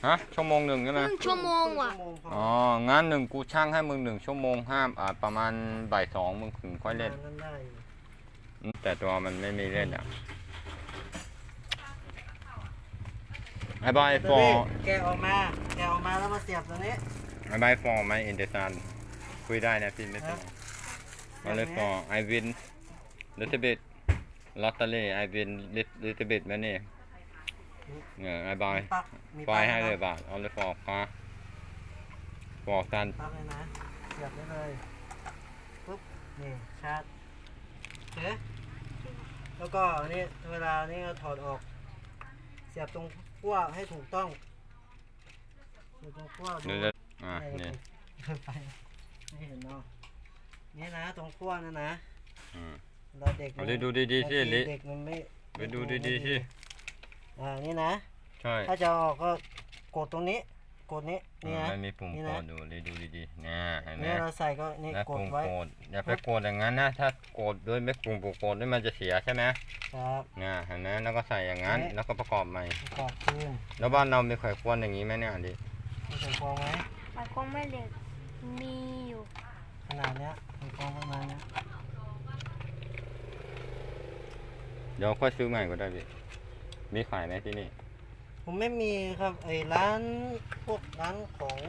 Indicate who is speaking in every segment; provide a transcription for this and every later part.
Speaker 1: ฮะชั่วโมงหนึ่งใช่ไหม
Speaker 2: 1 ชั่วโมงว่ะ
Speaker 1: อ๋องั้นกูช่างให้มึง1 ชั่วโมงห้ามประมาณบ่าย 2มึงถึงค่อยเล่น
Speaker 3: นั่นได้
Speaker 1: แต่ตัวมันไม่มีเล่นไอ้บอยฟอร์
Speaker 3: แกะออกมาแล้วมาเสียบตัวนี้
Speaker 1: ไอ้บอยฟอร์ไหมอินเดซันคุยได้นะพี่ไม่เป็นไรมาเลยฟอร์ไอวินลิตเบิดลอตเตอรี่ไอวินลิตเบิดมาเนี่ยไอ้บอย
Speaker 3: มี
Speaker 1: ไฟให้เลยบาทเอาเลยฟอร์ฟอร์ซัน
Speaker 3: ปั๊บเลยนะเสียบได้เลยปุ๊บนี่ชาร์จเอ๊ะแล้วก็นี่เวลานี่ก็ถอดออกเสียบตรงขั้วให้ถูกต้องเสียบตรงขั้ว
Speaker 1: นี่นี่
Speaker 3: ไปไม่เห็นเนาะนี่นะตรงขั้วนั่นนะ
Speaker 1: อืม
Speaker 3: เราเด็ก
Speaker 1: เอาดิดูดีๆสิลิ
Speaker 3: เด็กมันไม่
Speaker 1: ไปดูดีๆสิ
Speaker 3: นี่นะ
Speaker 1: ใช่
Speaker 3: ถ้าจะออกก็กดตรงนี้กดนี้นี่นะ
Speaker 1: มันมีปุ่ม
Speaker 3: นี่
Speaker 1: ก
Speaker 3: นะ
Speaker 1: ดดูเลยดูดีๆนะเห็นไหม
Speaker 3: นี่เราใส่ก็นี่
Speaker 1: แล้ว
Speaker 3: ก
Speaker 1: ปุ่
Speaker 3: ด
Speaker 1: ม
Speaker 3: ไว้
Speaker 1: กดอย่าไปกดอย่างนั้นนะถ้ากดด้วยไม่ปุ่มกดด้วยมันจะเสียใช่ไหม
Speaker 3: ครับ
Speaker 1: เนี่ยเห็นไหมแล้วก็ใส่อย่างนั้น
Speaker 3: นี่
Speaker 1: แล้วก็ประกอบใหม่
Speaker 3: ประกอบคืน
Speaker 1: แล้วบ้านเรามีไขควงอย่างนี้ไหมเนี่ยดิ
Speaker 3: มีใส่ฟองไหม
Speaker 2: ไข่คงไม่เหล็กมีอยู่
Speaker 3: ขนาดเนี้ยใส่ฟองประมาณเนี้ย
Speaker 1: เดี๋ยวค่อยซื้อใหม่ก็ได้พี่มีขายไหมที่นี่
Speaker 3: ผมไม่มีครับไอ้ร้านพวกร้าน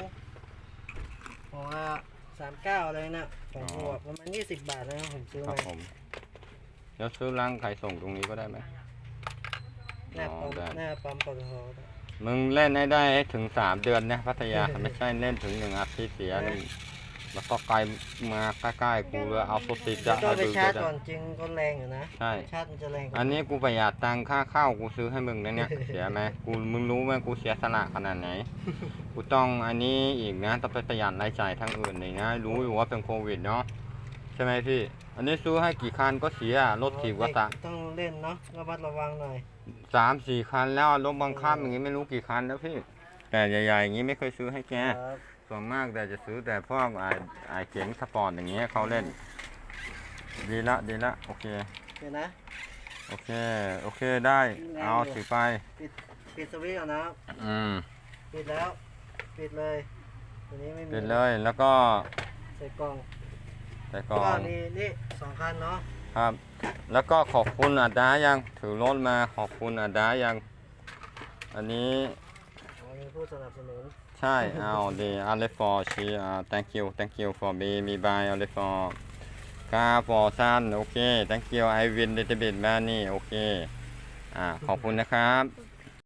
Speaker 3: ของ39อะไรนะของพวกประมาณ20 บาทนะครับผมซื้อ
Speaker 1: ครับ
Speaker 3: มา
Speaker 1: ผมแล้วซื้อร้านขายส่งตรงนี้ก็ได้ไหม
Speaker 3: หน้าปั๊ม
Speaker 1: ได้
Speaker 3: หน้าปั๊มปตท
Speaker 1: มึงเล่นให้ได้ให้ถึง3 เดือนนะพัทยา ไม่ใช่เล่นถึง1 อาทิตย์เสียนี่แล้วก็ไกลมาใกล้ๆกูเลยเอาสุดติดจะ
Speaker 3: ต้อ
Speaker 1: เอา
Speaker 3: งไป
Speaker 1: ดู
Speaker 3: ชาร์จ
Speaker 1: จะ
Speaker 3: ก่อนจริงก็แรงอยู่นะ
Speaker 1: ใช่
Speaker 3: ชาร์จมันจะแรงกว่า
Speaker 1: อันนี้กูประหยัดตังค่าข้าวกูซื้อให้มึงนะเนี่ย เสียไหมมึงรู้ไหมกูเสียสละขนาดไหน กูต้องอันนี้อีกนะต้องไปประหยัดรายจ่ายทั้งอื่นเลยนะรู้อยู่ว่าเป็นโควิดเนาะใช่ไหมพี่ อันนี้ซื้อให้กี่คันก็เสียรถถีบก็ตะ
Speaker 3: ต้องเล่นเนาะระมัดระวังหน่อย
Speaker 1: 3-4 คันแล้วรถบังคับอย่างงี้ไม่รู้กี่คันแล้วพี่ แต่ใหญ่ๆอย่างงี้ไม่เคยซื้อให้แก
Speaker 3: ครับ
Speaker 1: ส่วนมากแต่จะซื้อแต่พวกไอ้เก๋งสปอร์ตอย่างเงี้ยเขาเล่น ดีละโอเค
Speaker 3: เดี๋ยวนะ
Speaker 1: โอเคได้เอาถือไป
Speaker 3: ปิดสวิตช์ก่อนนะครับ ปิดแล้วปิดเลยตัวนี้ไม่มี
Speaker 1: เสร็จเลยแล้วก็
Speaker 3: ใส่กล่อง
Speaker 1: ใส่กล่อ
Speaker 3: ก็
Speaker 1: ง
Speaker 3: มีนี่2 คันเนาะ
Speaker 1: ครับ แล้วก็ขอบคุณอาดายังถือรถมาขอบคุณอาดายัง อันนี้
Speaker 3: มีผู้สนับสนุน
Speaker 1: ใช่เอาดีอาเลฟอร์ชีthank you for me bye อาเลฟอร์กา for sun โอเค thank you I win little bit money โอเคขอบคุณนะครับ